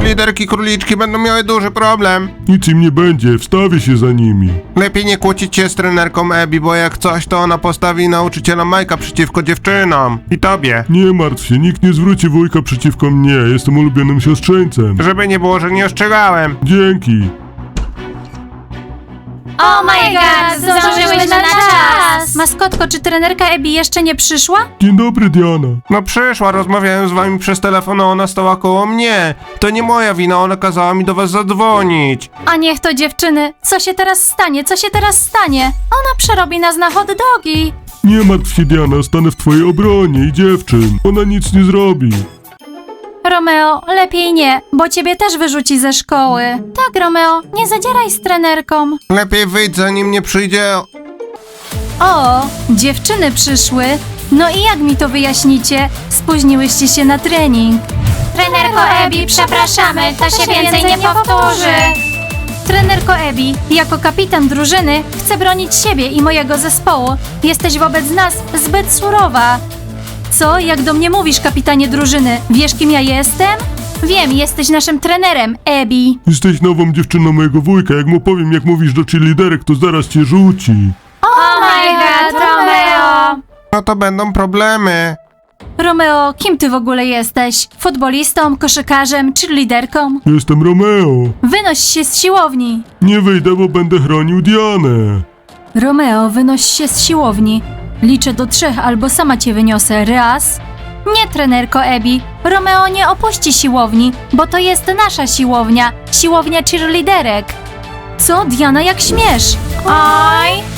Cheerleaderki króliczki będą miały duży problem. Nic im nie będzie, wstawię się za nimi. Lepiej nie kłócić się z trenerką Abby, bo jak coś, to ona postawi nauczyciela Majka przeciwko dziewczynom. I tobie. Nie martw się, nikt nie zwróci wujka przeciwko mnie, jestem ulubionym siostrzeńcem. Żeby nie było, że nie ostrzegałem. Dzięki. Oh my god, zdążyłyśmy na czas! Maskotko, czy trenerka Abby jeszcze nie przyszła? Dzień dobry, Diana. No przyszła, rozmawiałem z wami przez telefon, a ona stała koło mnie. To nie moja wina, ona kazała mi do was zadzwonić. A niech to dziewczyny, co się teraz stanie, co się teraz stanie? Ona przerobi nas na hot dogi. Nie martw się, Diana, stanę w twojej obronie i dziewczyn. Ona nic nie zrobi. Romeo, lepiej nie, bo ciebie też wyrzuci ze szkoły. Tak, Romeo, nie zadzieraj z trenerką. Lepiej wyjdź, zanim nie przyjdzie... O, dziewczyny przyszły. No i jak mi to wyjaśnicie? Spóźniłyście się na trening. Trenerko Abby, przepraszamy, to się więcej nie powtórzy. Trenerko Abby, jako kapitan drużyny chcę bronić siebie i mojego zespołu. Jesteś wobec nas zbyt surowa. Co? Jak do mnie mówisz, kapitanie drużyny? Wiesz, kim ja jestem? Wiem, jesteś naszym trenerem, Abby. Jesteś nową dziewczyną mojego wujka, jak mu powiem, jak mówisz do cheerleaderek, to zaraz cię rzuci. Oh my god, Romeo! No to będą problemy. Romeo, kim ty w ogóle jesteś? Futbolistą, koszykarzem czy liderką? Jestem Romeo. Wynoś się z siłowni. Nie wyjdę, bo będę chronił Dianę. Romeo, wynoś się z siłowni. Liczę do 3 albo sama cię wyniosę. Raz. Nie, trenerko Abby. Romeo nie opuści siłowni, bo to jest nasza siłownia. Siłownia cheerleaderek. Co, Diana, jak śmiesz? Oj!